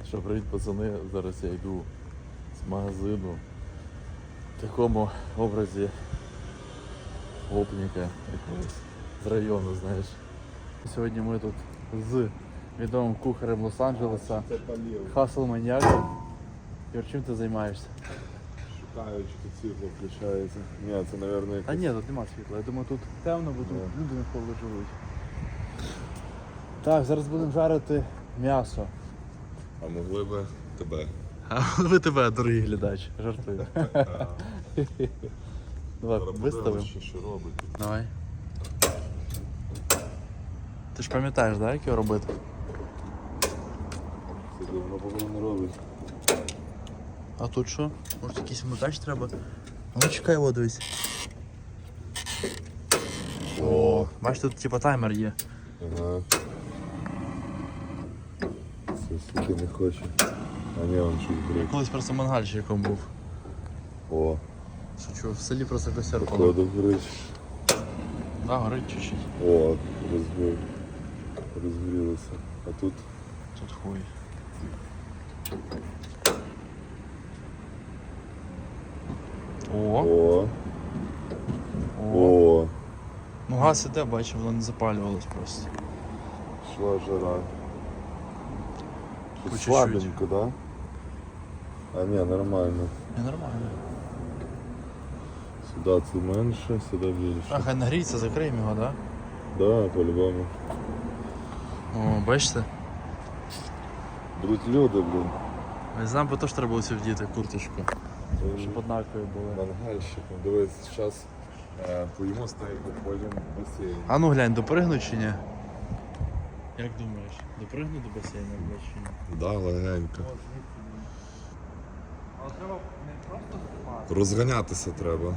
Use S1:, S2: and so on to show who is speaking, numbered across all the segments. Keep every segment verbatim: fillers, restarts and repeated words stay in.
S1: Що, привіт, пацани, зараз я йду з магазину в такому образі гопніка якогось з району, знаєш. Сьогодні ми тут з відомим кухарем Лос-Анджелеса, Хасл Маньяком. Юр, чим ти займаєшся?
S2: Шукаю, чи тут світло включається. Ні, це, мабуть, якось...
S1: А ні, тут нема світла. Я думаю, тут темно, бо тут
S2: Yeah.
S1: люди навколо живуть. Так, зараз будемо жарити м'ясо.
S2: А могли би тебе?
S1: А ви тебе, дорогий глядач, жартую. Давай, виставимо.
S2: Що, що робить?
S1: Давай. Ти ж пам'ятаєш, да, як його робити?
S2: Це давно повинно робить.
S1: А тут що? Може якийсь вмикач треба? А ну чекай, о, дивись. О, бачиш, тут типа таймер є.
S2: Ага. Це суки не хоче. А ні, он щось брить.
S1: Колись просто мангальщиком був.
S2: О,
S1: Шучу, в селі просто костер палив.
S2: походу горить.
S1: Да, горить чуть-чуть.
S2: О, розгорів. Розгорілося. А тут?
S1: Тут хуй. О,
S2: О,
S1: о.
S2: о,
S1: Ну газ іде, бачу, воно не запалювалось просто.
S2: шла жара.
S1: По
S2: Тут
S1: чуть-чуть.
S2: слабенько, да? А ні, нормально.
S1: Не нормально.
S2: Сюди це менше, сюди більше.
S1: А, хай нагріється, закриємо його, да?
S2: Да, по-любому.
S1: О, бачите?
S2: Будуть люди, блін.
S1: Не знаю, бо теж треба було цю вдіти курточку,
S2: Е,
S1: щоб однакові були.
S2: Мангальщиком. Дивись, зараз е, поїмо стейку, потім басейн.
S1: А ну глянь, допригну чи ні? Як думаєш, допригну до басейну, блядь, чи ні?
S2: Да, легенько.
S1: Але треба не просто впасти.
S2: Розганятися треба.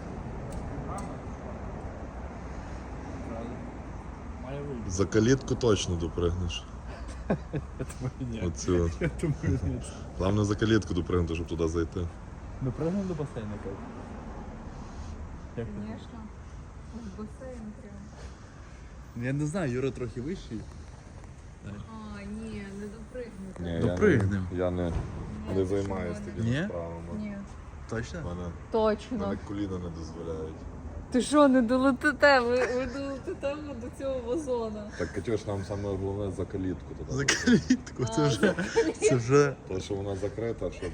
S1: Має вийти.
S2: За калітку точно допригнеш.
S1: Я думаю, ні.
S2: Оцю от.
S1: Я думаю, ні.
S2: Головне за калітку допригнути, щоб туди зайти.
S1: Допригнув до басейну, як? Як ти?
S3: Конечно. В басейн прям.
S1: Я не знаю, Юра трохи вищий.
S3: А, ні, не допригнути.
S2: Ні,
S1: Допригнем.
S2: Я не,
S3: Ні,
S2: не
S3: це
S2: займаюся
S3: що,
S2: такими
S1: Ні?
S2: справами.
S3: Ні.
S1: Точно?
S2: Мене,
S3: Точно.
S2: мене коліна не дозволяють.
S3: Ти що, не долетите? Ви, ви долетите до цього вазона.
S2: Так, Катюш, нам саме головне за калітку туди.
S1: За калітку, це
S3: А,
S1: вже.
S3: за
S1: Це вже.
S2: То, що вона закрита, щоб...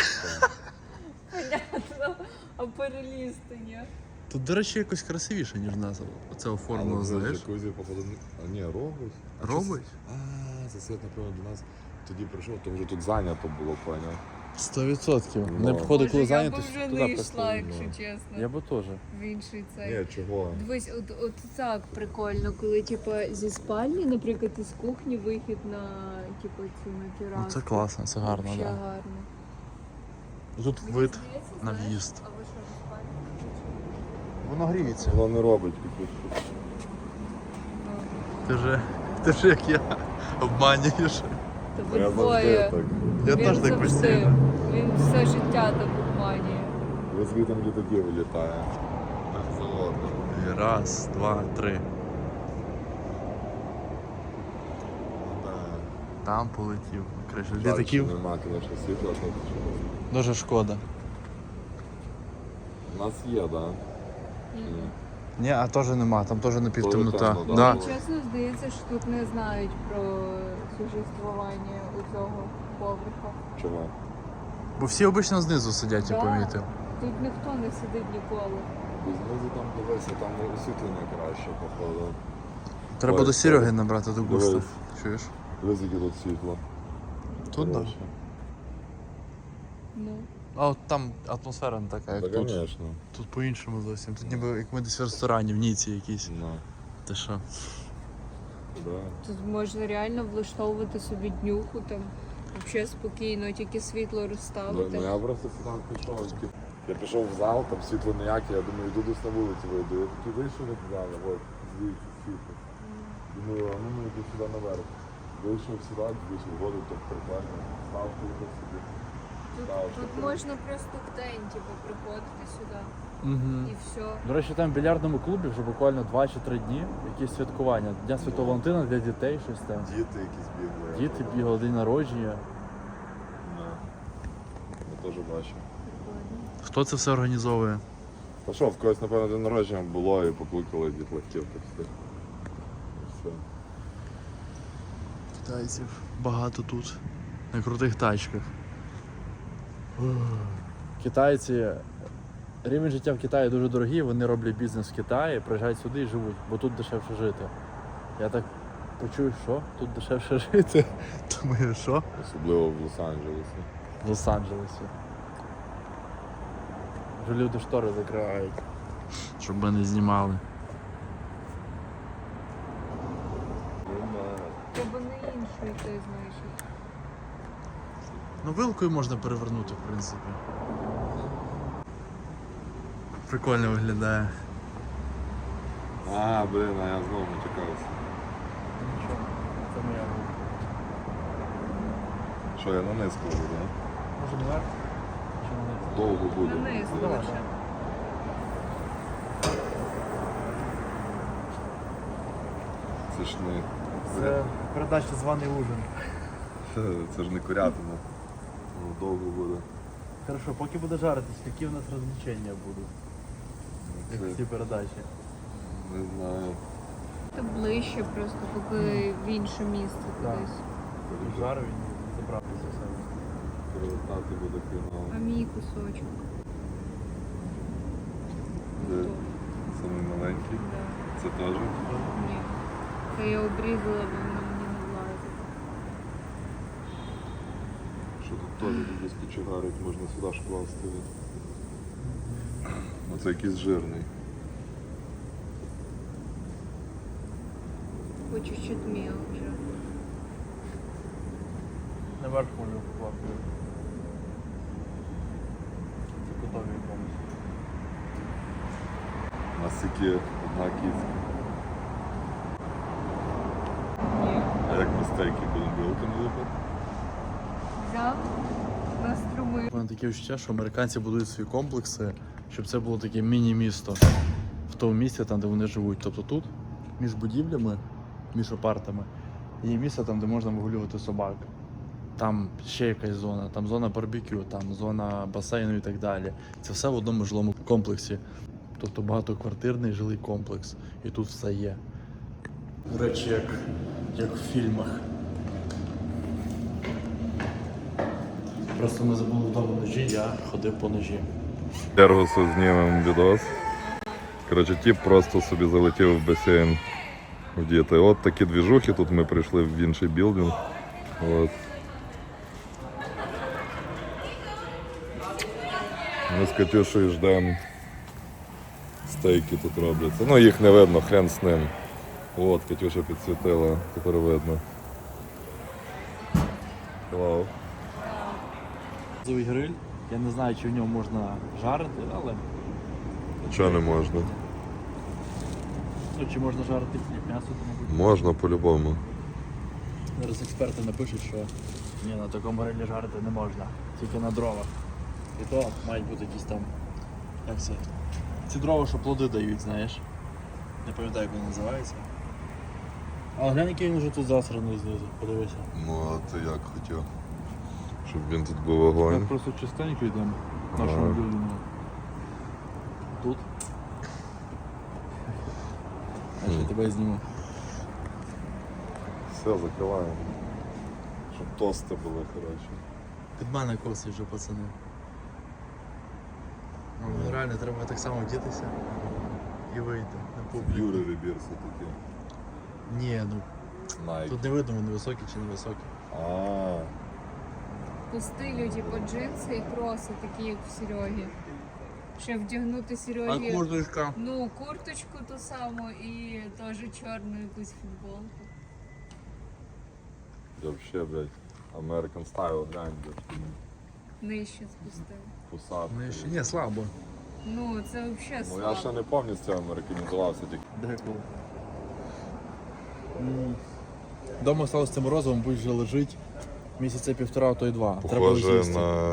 S3: Понятно. А перелізти, ні?
S1: Тут, до речі, якось красивіше, ніж в нас. Оце оформлено,
S2: Але вже
S1: знаєш.
S2: джакузі, походу, не- а ні, робить. А
S1: Робить?
S2: чи с- А, це світ, напевно, до нас тоді прийшов, то вже тут зайнято було, поняв.
S1: Сто відсотків.
S2: Ну.
S1: Не походу, коли
S3: Боже, я
S1: зайнято,
S3: б вже
S1: туди
S3: не йшла,
S1: просто.
S3: якщо
S2: ну.
S3: чесно.
S1: Я би теж.
S3: В інший цей.
S2: Ні, чого?
S3: Дивись, от, от так прикольно, коли типу, зі спальні, наприклад, із кухні вихід на типу, цю на терасу.
S1: Ну це класно, це гарно,
S3: Вообще
S1: так.
S3: гарно.
S1: Да. Тут
S3: Мені
S1: вид
S3: здається,
S1: на
S3: знаєш,
S1: в'їзд.
S3: А ви що, в спальні?
S1: Воно гріється.
S2: Воно не робить Катюш.
S1: Ти же, ти ж як я обманюєш.
S3: Та ви
S2: Я завжди
S3: двоє.
S2: так.
S1: Я
S3: Він
S1: теж так
S3: завжди.
S1: постійно.
S3: Він все життя так обманює.
S2: Ви звідти літаки вилітає. Так заводно.
S1: І раз, два, три. Там полетів. Криша літаків.
S2: Нема, звісно, світла. то чого.
S1: Дуже шкода.
S2: У нас є, так? Да?
S1: Ні, а теж нема, там теж не півтемнота.
S2: темно, да.
S1: Да.
S3: Мені чесно здається, що тут не знають про существування у цього поверха.
S2: Чому?
S1: Бо всі обично знизу сидять, я
S3: Да.
S1: помітив.
S3: Тут ніхто не сидить ніколи.
S2: Бо знизу там дивися, там освітлення краще, походу.
S1: Треба
S2: Ой,
S1: до Сереги
S2: ой.
S1: набрати до густа.
S2: Дивись.
S1: Чуєш?
S2: Дивись, яке тут світло.
S1: Тут так.
S2: Коротше.
S3: Ну.
S1: А от там атмосфера не така, як
S2: Та,
S1: тут.
S2: звісно.
S1: Тут по-іншому зовсім. Тут ніби як ми десь в ресторані, в Ніці якійсь.
S2: Ну,
S1: Ти що?
S2: да.
S3: Тут можна реально влаштовувати собі днюху там. Взагалі спокійно, тільки світло
S2: Ну,
S3: розставити.
S2: ну я просто сюди пішов. типу, Я пішов в зал, там світло ніяке, я думаю, йду десь на вулиці вийду. Я такий вийшов від залу, от, звідси світло. Думаю, а ну ну йду сюди наверх. Вийшов сюди, вийшов в воду, так прикольно. Став тут собі.
S3: Тут,
S2: Став,
S3: тут
S2: щоб-
S3: можна просто в день типу, приходити сюди
S1: Угу.
S3: і все.
S1: До речі, там в більярдному клубі вже буквально два чи три дні якісь святкування. Дня Святого Валентина для дітей, щось там.
S2: Діти якісь бігли.
S1: Діти бігали, день народження.
S2: теж бачив.
S1: Хто це все організовує?
S2: Та що, в когось, напевно, день народження було і покликали дітлахів, так все. І все.
S1: Китайців багато тут. На крутих тачках. Китайці. Рівень життя в Китаї дуже дорогий, вони роблять бізнес в Китаї, приїжджають сюди і живуть, бо тут дешевше жити. Я так почую, що тут дешевше жити. Думаю, що?
S2: Особливо в Лос-Анджелесі.
S1: В Лос-Анджелесі. Вже люди штори закривають, щоб ми не знімали.
S3: Треба на іншу йти, знаєш.
S1: Ну, вилкою можна перевернути, в принципі. Прикольно виглядає.
S2: А, блин, а я знову матюкався.
S1: Це моя вилка.
S2: Що, я на низ кладу, так?
S1: Може наверх? Чи на низ?
S2: Довго буде.
S3: На низ
S1: давай.
S3: лучше.
S2: Це ж не...
S1: Це передача «Званий ужин».
S2: Це ж не курятина. Воно довго буде.
S1: Хорошо, поки буде жаритись, які у нас розвлечення будуть? Як в
S2: Це,
S1: цій передачі?
S2: не знаю.
S3: Та ближче просто, поки в інше місце
S1: Так.
S3: кудись.
S1: Жару він заправився в себе.
S2: Перевертати буде фінал.
S3: А мій кусочок.
S2: Де?
S3: Хто?
S2: Самий маленький.
S3: Да.
S2: Це теж?
S3: Ні. Та я обрізала, бо воно мені не влазить.
S2: Що тут теж без кочегарить, можна сюди ж класти. Ну це якийсь жирний.
S3: По чуть-чуть мелче.
S1: Наверх може вкласти. Це готові повністю.
S2: У нас тільки одна кістка.
S3: Ні.
S2: А як ми стейки будемо білками лупити?
S3: Взяв, наструмив.
S1: У мене таке відчуття, що американці будують свої комплекси, щоб це було таке міні-місто в тому місці, там, де вони живуть. Тобто тут, між будівлями, між апартами, є місце там, де можна вигулювати собак. Там ще якась зона, там зона барбекю, там зона басейну і так далі. Це все в одному жилому комплексі. Тобто багатоквартирний жилий комплекс. І тут все є. До речі, як, як в фільмах. Просто ми забули вдома ножі, я ходив по ножі.
S2: Ергосу знімемо відос. Коротше, тіп просто собі залетів в басейн вдіти. От такі двіжухи, тут ми прийшли в інший білдинг. От. Ми з Катюшею ждемо. Стейки тут робляться. Ну їх не видно, хрен з ним. От, Катюша підсвітила, тепер видно. Hello.
S1: Газовий гриль. Я не знаю, чи в ньому можна жарити, але
S2: Чого не можна?
S1: ну, чи можна жарити хліб, м'ясо, то мабуть.
S2: Можна по-любому.
S1: Зараз експерти напишуть, що ні, на такому грилі жарити не можна, тільки на дровах. І то мають бути якісь там, як це, ці дрова, що плоди дають, знаєш. Не пам'ятаю, як вони називаються. Але глянь, який він вже тут засраний знизу, подивися.
S2: Ну а ти як хотів? Щоб він тут був
S1: Ми
S2: огонь.
S1: просто частенько йдемо в
S2: Ага.
S1: нашому білдингу. Тут. А ще тебе зніму.
S2: Все, закриваємо. Щоб тости були, коротше.
S1: Під мене косить вже, пацани. Ну, реально, треба так само вдітися і вийти на публіку.
S2: Юри вибір все-таки.
S1: Ні, ну
S2: Найк.
S1: тут не видно, вони високі чи не високі.
S2: А,
S3: По стилю, типу, джинси і кроси, такі, як в Серегі. Ще вдягнути Серегі,
S1: курточка?
S3: ну, курточку ту саму і теж чорну якусь футболку.
S2: вообще, блядь, American Style, глянь, блядь,
S3: Нижче спустив.
S2: посадки.
S1: Ну, ще ні, слабо.
S3: Ну, це взагалі
S2: Ну я
S3: слабо.
S2: ще не повністю американізувався, тільки.
S1: Деколи. Дома сталося цим морозивом, будь вже лежить місяця півтора, а то й два. Треба
S2: Похоже
S1: з'їсти.
S2: на...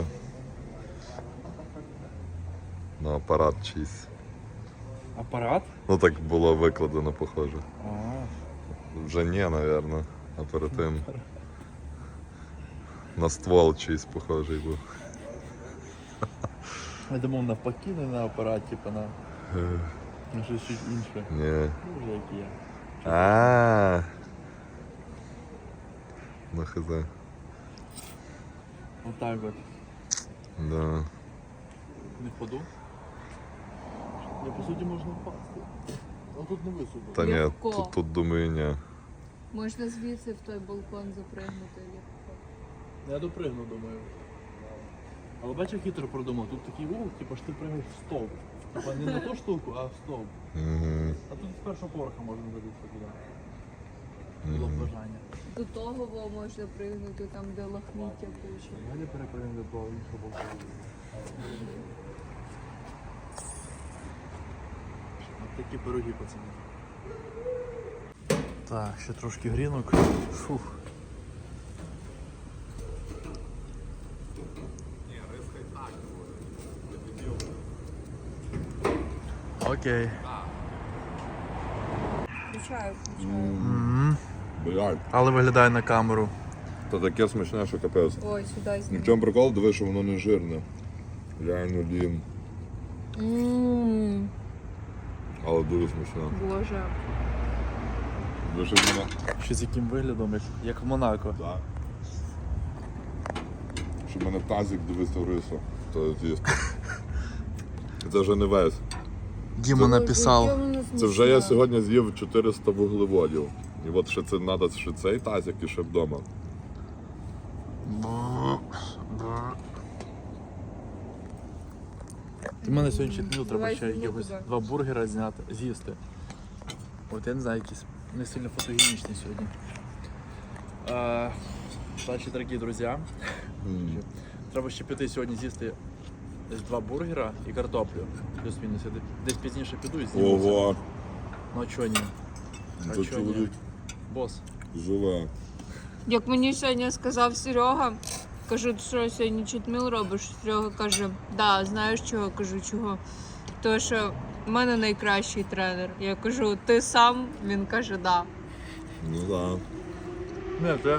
S2: на апарат чийсь.
S1: Апарат?
S2: Ну так було викладено, похоже.
S1: А,
S2: Вже ні, напевно, а перед тим. На ствол чийсь похожий був.
S1: Я думав навпаки, не на апарат, типу на, на щось щось інше.
S2: Ні.
S1: Ну, вже як є.
S2: А. Ну хз.
S1: Отак от.
S2: Да.
S1: Не впаду? Я по суті можна впасти. А тут не високо.
S2: Та ні,
S3: Легко.
S2: тут, тут думаю, ні.
S3: Можна звідси в той балкон запригнути.
S1: Я допригну, думаю. Але бачиш, хитро продумав. Тут такий угол, типу, що ти пригнеш в стовп. Типа не на ту штуку, а в стовп.
S2: Угу.
S1: А тут з першого поверха можна залізти туди. Було б бажання.
S3: До того во можна пригнути там, де лахміття куча.
S1: Далі перепригнемо до того іншого боку. Ось такі пироги, пацани. Так, ще трошки грінок. Фух. Окей.
S3: Включаю, включаю.
S1: М.
S2: Блядь,
S1: Але виглядає на камеру.
S2: то таке смачне, що капець.
S3: Ой, сюди
S2: Ну, в
S3: знімаю.
S2: чому прикол, диви, що воно не жирне. Реально лін,
S3: Ммм,
S2: але дуже смачне.
S3: Боже.
S2: Дуже воно.
S1: Ще з яким виглядом, як, як в Монако.
S2: Да. Щоб в мене тазик дивився в рису, то з'їсти. Це вже не весь.
S1: Діма написав.
S2: Це вже я сьогодні з'їв чотириста вуглеводів. І от ще це треба ще цей тазик і ще вдома.
S1: Ти мене сьогодні днів треба
S3: Давай
S1: ще
S3: зніму
S1: якихось
S3: тебе.
S1: два бургера зняти, з'їсти. От я не знаю, якісь не сильно фотогенічні сьогодні. А, значить, дорогі друзі, треба ще піти сьогодні з'їсти десь два бургера і картоплю. Плюс-мінус. Я десь пізніше піду і зніму. це.
S2: Ого,
S1: Ну а чого ні? А
S2: це
S1: чого ні?
S2: чоловік
S1: Бос.
S2: живе.
S3: Як мені сьогодні сказав Серега, кажу, ти що сьогодні читміл робиш? Серега каже, да, знаєш чого? Кажу, чого? Тому що в мене найкращий тренер. Я кажу, ти сам? Він каже, да.
S2: Ну так.
S1: Не, це...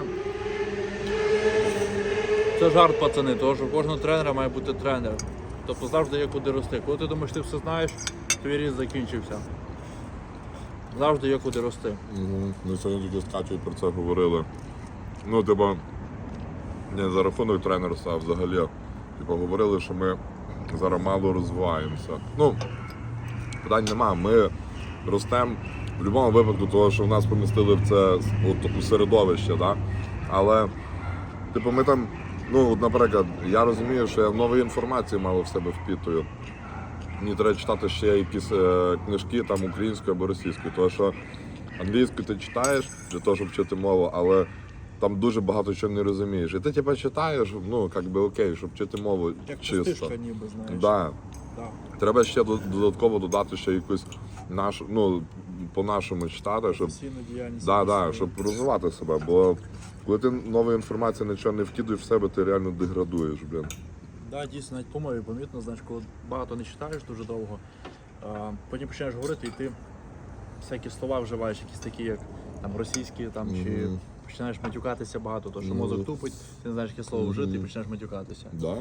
S1: Це жарт, пацани, тому що у кожного тренера має бути тренер. Тобто завжди є куди рости. Коли ти думаєш, ти все знаєш, твій ріст закінчився. Завжди є куди рости.
S2: Угу. Ми сьогодні тільки з Катєю про це говорили. Ну, типа, не за рахунок тренерства, а взагалі. Типа, говорили, що ми зараз мало розвиваємося. Ну, питань нема, ми ростемо в будь-якому випадку, того, що в нас помістили в це от, у середовище, да? Але, типу, ми там, ну, от, наприклад, я розумію, що я нової інформації мало в себе впітую. Мені треба читати ще якісь е, книжки там українською або російською, тому що англійську ти читаєш для того, щоб вчити мову, але там дуже багато чого не розумієш. І ти типу читаєш, ну, як би окей, щоб вчити мову
S1: Як
S2: чисто.
S1: пустишка ніби, знаєш.
S2: Да.
S1: Да.
S2: Треба ще до- додатково додати ще якусь нашу, ну, по-нашому читати, щоб,
S1: Професійну діяльність.
S2: да, да,
S1: свою.
S2: щоб розвивати себе. Бо коли ти нової інформації нічого не вкидуєш в себе, ти реально деградуєш, блін.
S1: Да, дійсно, навіть по мові помітно, знаєш, коли багато не читаєш дуже довго, а, потім починаєш говорити і ти всякі слова вживаєш, якісь такі, як там російські, там, чи
S2: Мгм.
S1: починаєш матюкатися багато, тому що
S2: Ну.
S1: мозок тупить, ти не знаєш, яке слово вжити і
S2: Мгм.
S1: починаєш матюкатися.
S2: Да.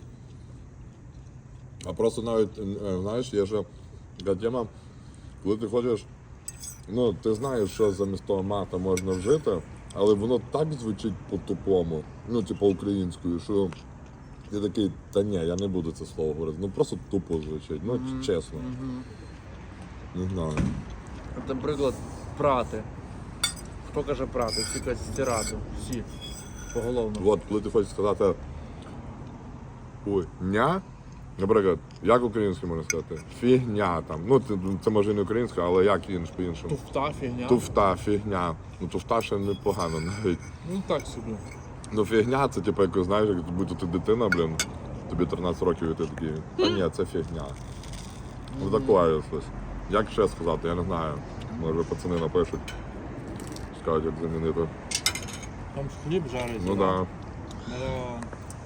S2: А просто навіть, е, знаєш, є ще така тема, коли ти хочеш, ну, ти знаєш, що замість того мата можна вжити, але воно так звучить по-тупому, ну, типу українською, що ти такий, та ні, я не буду це слово говорити, ну просто тупо звучить, ну,
S1: Мгм.
S2: чесно,
S1: Мгм.
S2: не знаю.
S1: От, наприклад, прати. Хто каже прати? Всі кажуть стирати. Всі. Поголовно.
S2: От, коли ти хочеш сказати, ой, ня, наприклад, як українською можна сказати? Фігня там, ну, це, це може і не українська, але як інш по-іншому?
S1: Туфта, фігня.
S2: Туфта, фігня. Ну туфта ще непогано навіть.
S1: Ну так собі.
S2: Ну фігня це типу, як знаєш, як будь-то ти дитина, блін, тобі тринадцять років і ти такий. Та ні, це фігня. Ну таке щось. Як ще сказати, я не знаю. Може пацани напишуть. Скажуть, як замінити.
S1: Там ж хліб жарить.
S2: Ну так.
S1: Да.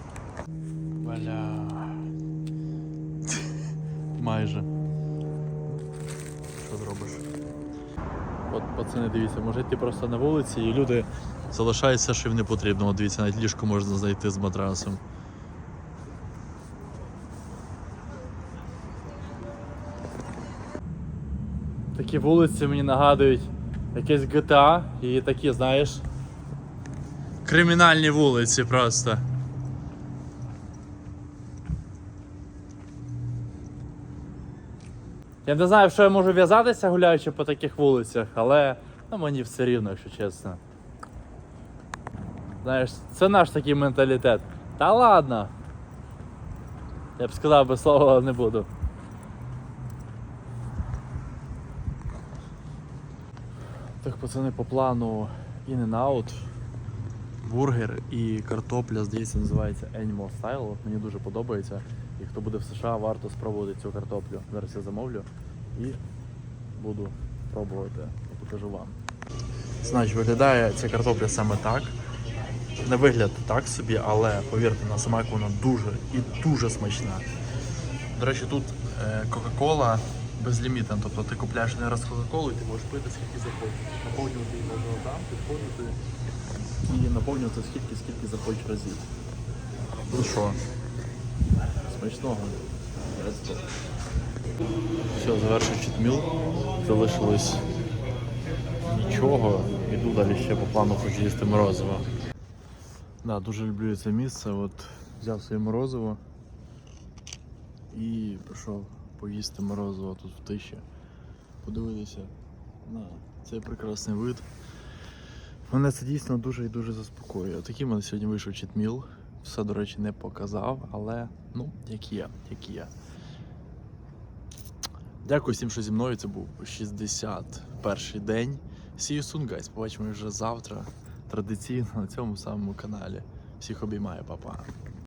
S1: Бля. Майже. Що зробиш? От пацани, дивіться, може йти просто на вулиці і люди залишають все, що їм не потрібно. От дивіться, навіть ліжко можна знайти з матрасом. Такі вулиці мені нагадують якесь джі ті ей і такі, знаєш, кримінальні вулиці просто. Я не знаю, в що я можу в'язатися, гуляючи по таких вулицях, але ну, мені все рівно, якщо чесно. Знаєш, це наш такий менталітет. Та ладно. Я б сказав би слово, але не буду. Так, пацани, по плану In-N-Out, бургер і картопля, здається, називається Animal Style. От мені дуже подобається. І хто буде в США, варто спробувати цю картоплю. Зараз я замовлю і буду пробувати. Я покажу вам. Значить, виглядає ця картопля саме так. На вигляд так собі, але повірте, на смак вона дуже і дуже смачна. До речі, тут е, Кока-Кола безлімітна, тобто ти купляєш не раз Кока-Колу і ти можеш пити скільки захочеш. Наповнювати її можна там, підходити і наповнювати скільки, скільки захочеш разів. Ну що, смачного. Let's go. Все, завершив читміл. Залишилось нічого. Іду далі ще по плану, хочу їсти морозиво. Да, дуже люблю це місце. От взяв своє морозиво і пішов поїсти морозиво тут в тиші. Подивитися на цей прекрасний вид. Мене це дійсно дуже і дуже заспокоює. Такий в мене сьогодні вийшов читміл. Все, до речі, не показав, але ну, як є, як є. Дякую всім, що зі мною. Це був шістдесят перший день. See you soon, guys. Побачимо вже завтра. Традиційно на цьому самому каналі. Всіх обіймаю, па-па.